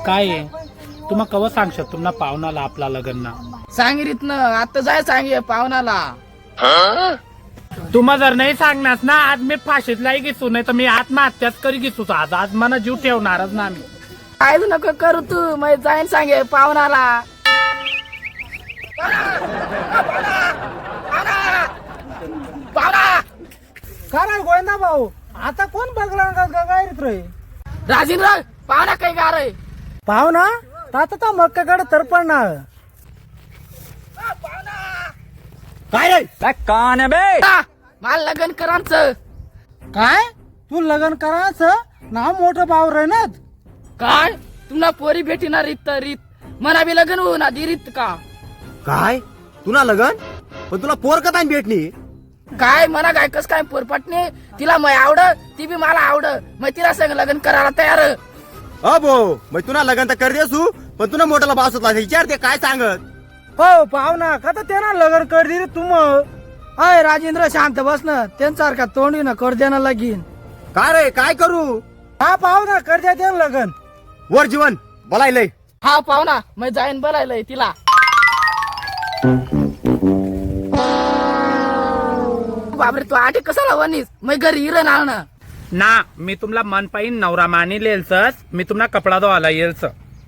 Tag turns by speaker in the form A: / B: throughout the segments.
A: काय तुम्हा कवा सांगशात तुम्हाला पाहुणाला आपला लग्न
B: सांगितलं ना आता जाय सांगे पाहुणाला.
A: तुम्हा जर नाही सांगणार ना आज मी फाशीतलाही घेसू नाही तर मी आत्महत्याच करी घेसू आज मला जीव ठेवणारच ना मी.
B: काय नको करू तू मग जाईन सांगे पाहुणाला.
C: काय गोविंदा भाऊ आता कोण बघला गायरीत रे
B: राजेंद्र पाहुणा काही गार आहे
C: पाहुणा आता तर मक्काकडे तरपडणार
D: काय रे कान आहे बे.
B: मला लग्न करायचं.
C: काय तू लग्न करायचं नाव मोठं भाऊ रे ना
B: काय तुला पोरी भेटणार रीत रीत मला बी लग्न होऊ ना रीत का
D: काय तुला लगन पण तुला पोर कथा भेटली.
B: काय मला काय कस काय पोरपटणे तिला मग आवड ती बी मला आवड मग तिला संग लग्न करायला तयार.
D: अबो मग तुला लगन तर कर देसू पण तुला मोठ्याला बास होता विचारते काय सांगत.
C: हो पाहुणा का तर त्यांना लग्न कर दे रे तुम. अय राजेंद्र शांत बस ना त्यांच्यासारखा तोंडी ना कर द्या ना लगीन.
D: काय रे काय करू.
C: हा पाहुणा कर द्या ते लगन.
D: वर जीवन बोलायलंय.
B: हा पाहुणा मग जाईन बोलायलंय तिला. बापरे तू आठी कसाला वनीस मग घरी हिरण ना
A: ना मी तुम्हाला मन पाहिन नवरा मानी लेलच मी तुम्हाला कपडा धुवायला येलच.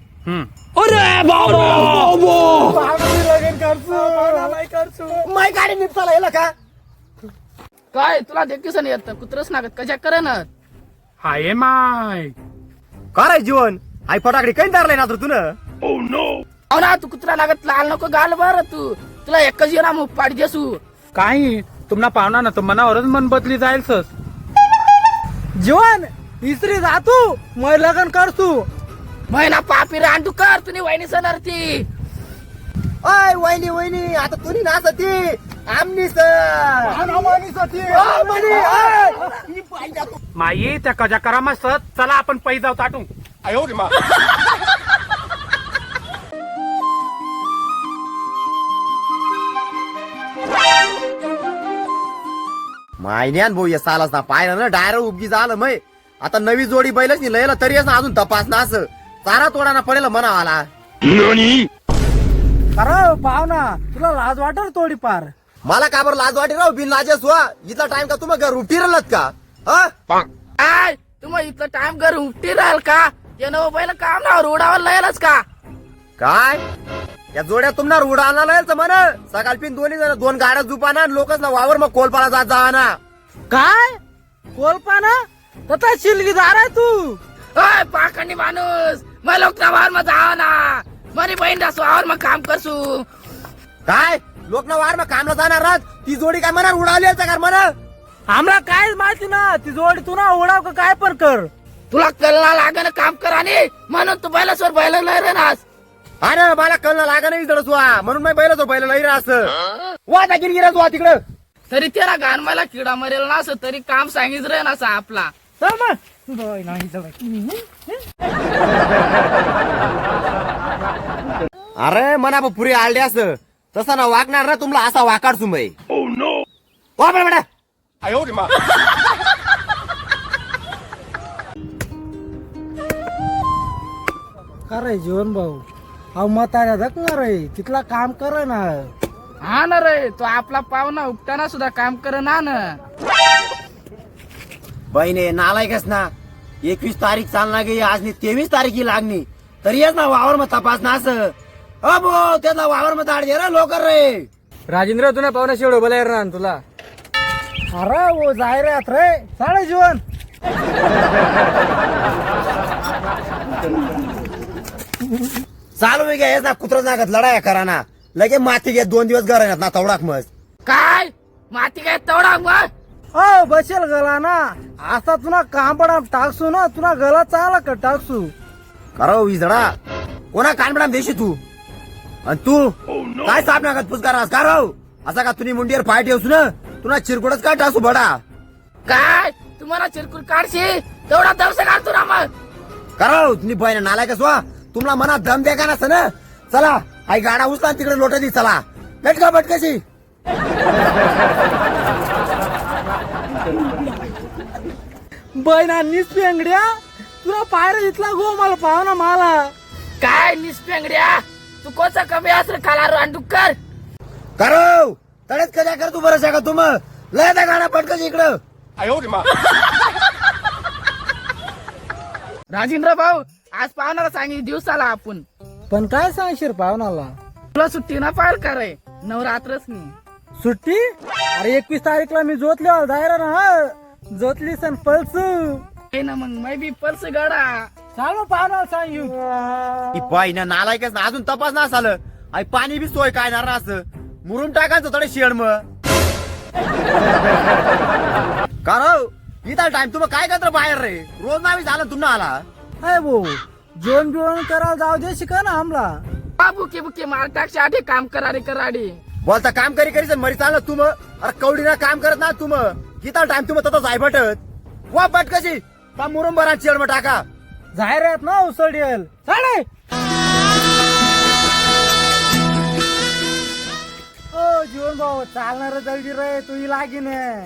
C: लगन करसू
D: माय गाडी निपटाला येला का.
B: काय तुला देखील नाही येत कुत्रच नागत कशा करे ना.
A: हाय माय
D: काय रे जीवन आई फटाकडी काही धरलाय ना तुन.
B: हो ना तू कुत्रा लागत लाल नको गाल बर तू तुला एकच येणार मग पाडी देसू.
A: काही तुम्हाला पाहुणा ना तर मनावरच मन बदली जाईल सर.
C: जीवन इसरी जातू मग लगन करसू.
B: महिना पापी रांडू कर तुम्ही वहिनी सणर ती.
D: ओय वहिनी वहिनी आता तुनी नाचती आमनी
A: माई त्या कजा करा मस्त चला आपण पै जाऊ ताटू.
D: मायन्यान भाऊ या सालाच ना पाहिलं ना डायरेक्ट उपगी झालं मय. आता नवी जोडी बैलच नाही लयला तरी ना अजून तपास ना असं चारा तोडाना पडेल म्हणावाला.
C: अरे पाहुणा तुला लाज वाटेल थोडीफार.
D: मला का बरं लाज वाटे राव बिन लाजेस वा इथला टाइम का तुम्ही घर उठी राहिलात का.
B: काय तुम्हाला इथलं टाइम घर उठती राहील का ते नवं पहिलं काम ना रोडावर लयलच का.
D: काय या जोड्या तुम्हाला उडाला लायचं म्हण सकाळ पिन दोन्ही जण दोन गाड्या जुपाना लोकच ना वावर मग कोलपाला जात जावा ना.
C: काय कोलपाना तथा शिलगीदार आहे तू.
B: ओय पाखंडी माणूस मग लोक वावर मग जावा ना मरी बहीण असू वावर मग काम करसू.
D: काय लोक ना वावर मग कामला जाणार राहत ती जोडी काय म्हणा उडाली का म्हणा.
C: आम्हाला काय माहिती ना ती जोडी तू ना उडाव का काय पण कर.
B: तुला कलना लागण काम कर आणि म्हणून तू बैलासवर बैल लय नास.
D: अरे मला कळलं लागा नाही जडस वा म्हणून मी बैल तो बैल नाही रा असं वा दाखील गिरस वा तिकडं.
B: तरी त्याला घाण मला किडा मरेल ना असं तरी काम सांगित रे ना आपला.
C: चल मग नाही
D: अरे मना पुरी आलडे असं तसा ना वागणार ना तुम्हाला असा वाकाड सुंबई. वा बेटा
C: अरे जीवन भाऊ अहो म्हाताऱ्या धक ना रे तिथला काम कर ना.
B: हा ना रे तो आपला पाहुणा उपटाना सुद्धा काम कर ना.
D: बहिणे नालायकच ना 21 तारीख चालना गे आज 23 तारीख लागणी तरी येच ना वावर मग तपास ना असं. अबो त्याला वावर मग दाड दे रे लोकर रे.
C: राजेंद्र तुला पाहुणा शेवढं बोलाय ना तुला. अरे वो जाय रे आत रे साडे जीवन.
D: चालू घ्या ना कुत्र जागत लढाया करा ना लगे माती घे 2 दिवस घर ना तेवढाक मग.
B: काय माती काय तेवढा मग.
C: हो बसेल गला ना असा तुला काम पडा टाकसू ना तुला गला चांगला का टाकसू.
D: करो विजडा कोणा कानबडाम देशी तू आणि तू काय साप नागत पुस्कार करो असा का तुम्ही मुंडीवर पाय ठेवसू ना तुला चिरकुडच का टासू बडा.
B: काय तुम्हाला चिरकुल काढशी तेवढा दवसा काढतो ना मग.
D: करो तुम्ही बहिण नालायकच वा तुम्हाला मनात दम द्या का नसतं ना. चला आई गाडा उचला तिकडे लोट दी चला बटका बटकाशी.
C: बहिणांनीच पेंगड्या तुला पायऱ्या इथला गो मला पाहुणा मला.
B: काय निस्पेंगड्या तू कोचा कमी असर खाला रांडुकर
D: करो तडेच कजा कर तू बरं का तुम लय त्या गाणं पटकन इकडं
B: राजेंद्र भाऊ आज पाहुणाला सांगितलं दिवसाला आपण
C: पण काय सांगशील पाहुणाला?
B: तुला सुट्टी ना पाहिल करे नवरात्रच नाही
C: सुट्टी? अरे 21 तारीखला मी जोतल्यावर जायला ना जोतली सण पल्स.
B: हे ना मग मै बी पर्स गडा
C: सांग मग पाहुणाला सांगू.
D: ती बाई ना नालायकच ना अजून तपास ना झालं आई पाणी बी सोय काय ना असं मुरून टाकायचं थोडे शेड मग कारण इथं टाइम तुम्ही काय करता बाहेर रे रोज नावी झालं तुम्हाला आला
C: हाय भाऊ जेवण बिवण करायला जाऊ दे शिका ना आमला.
B: बुके बुके मार टाकशे आठे काम करारे कराडे
D: बोलता काम करी करी मरी चाललं तुम अरे कवडीना काम करत ना तुम इथं टाइम तुम्ही तसं जाय बटत वा बट कशी का मुरुम बरा शेड मग टाका
C: जाहीर आहेत ना उसळेल साडे. ओ जीवन भाऊ चालणार जल्दी रे तुही लागीन.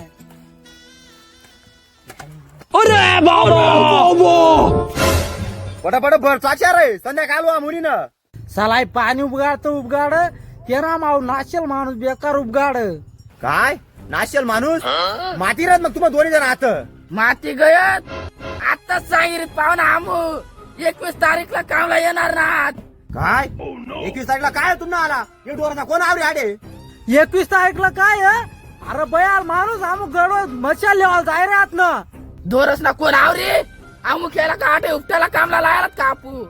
D: पटापट भर चाच्या रे संध्याकाळ वा मुलीनं
C: सलाई पाणी उपगाड उपगाड ते ना माऊ नाशेल माणूस बेकार उपगाड.
D: काय नाशेल माणूस माती राहत मग तुम्हा दोन्ही जण आहात
B: माती गयत आताच सांगितलं पाहुणा आमू 21 तारीखला कामला येणार ना
D: काय 21 तारीखला काय तुम्हाला आला हे डोराचा कोण आवडी आडे
C: 21 तारीखला काय आहे? अरे बयाल माणूस आमू गडवत मच्छा लेवाल जाय रे आत ना.
B: दोरस ना कोण आवरी आमू खेळा का आठे उपट्याला कामला लायला कापू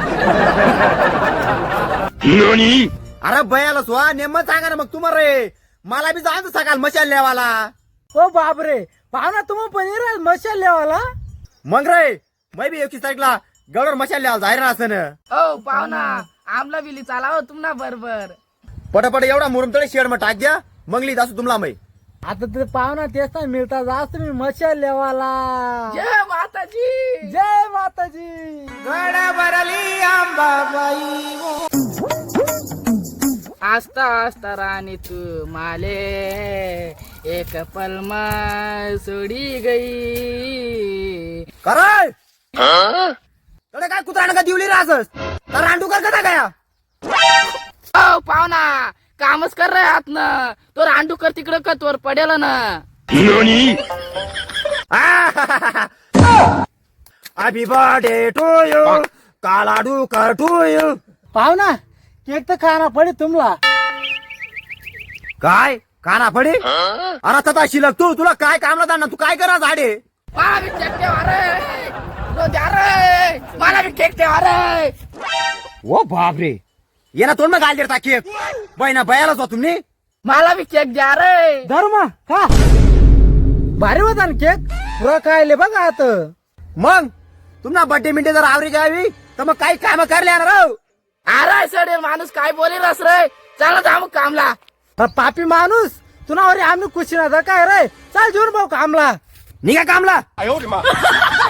D: अरे बयाला स्वा नेमत सांगा ना मग तुम्हाला रे मला बी जायचं सकाळ मशाल लेवाला
C: ओ बापरे पाहुणा तुम्ही पण येणार मच्छा लेवाला.
D: मग रे मै बी 21 तारीखला गडवर मशाल लेवाला जाहीर असं
B: ओ पाहुणा आमला बिली चाला हो तुम्हाला बरोबर
D: पटापट एवढा मुरुम तळे शेड मग टाक द्या मग लिहित असू तुम्हाला मै
C: आता ते पाहुणा तेच ना मिळता जास्त मी मच्छा लेवाला.
B: जय माताजी
C: जय माताजी.
B: आस्ता आस्ता राणी तू माले एक पलमा सोडी गई
D: कराय तडे काय कुत्रा का दिवली राहस तर रांडू कर कसा गया
B: ओ पाहुणा कामच कर रे हात ना तो रांडू कर तिकडं का तोर पडेल ना
D: हॅपी बर्थडे टू यू कालाडू कर टू यू
C: पाहुणा केक तर खाना पडे तुम्हाला.
D: काय काना पडे अरे तथा शिलक तू तुला काय कामला जाणार तू काय करा झाडे
B: मला बी केक ठेवा रे तो द्या रे मला बी केक ठेवा रे
D: ओ बापरे ये ना तोंड मग घाल देता केक बहिणा बयालाच हो तुम्ही
B: मला बी केक द्या रे
C: धर्म का भारी होता ना केक पुरा खायले बघा आता.
D: मग तुम्हाला बर्थडे मिंटे जर आवरी घ्यावी तर मग काही काम करले ना राव
B: अरे सडे माणूस काय बोले रस रे चला जाऊ कामला.
C: अरे पापी माणूस तुला आम्ही कुशी ना काय रे चाल जेवण भाऊ कामला
D: निघा कामला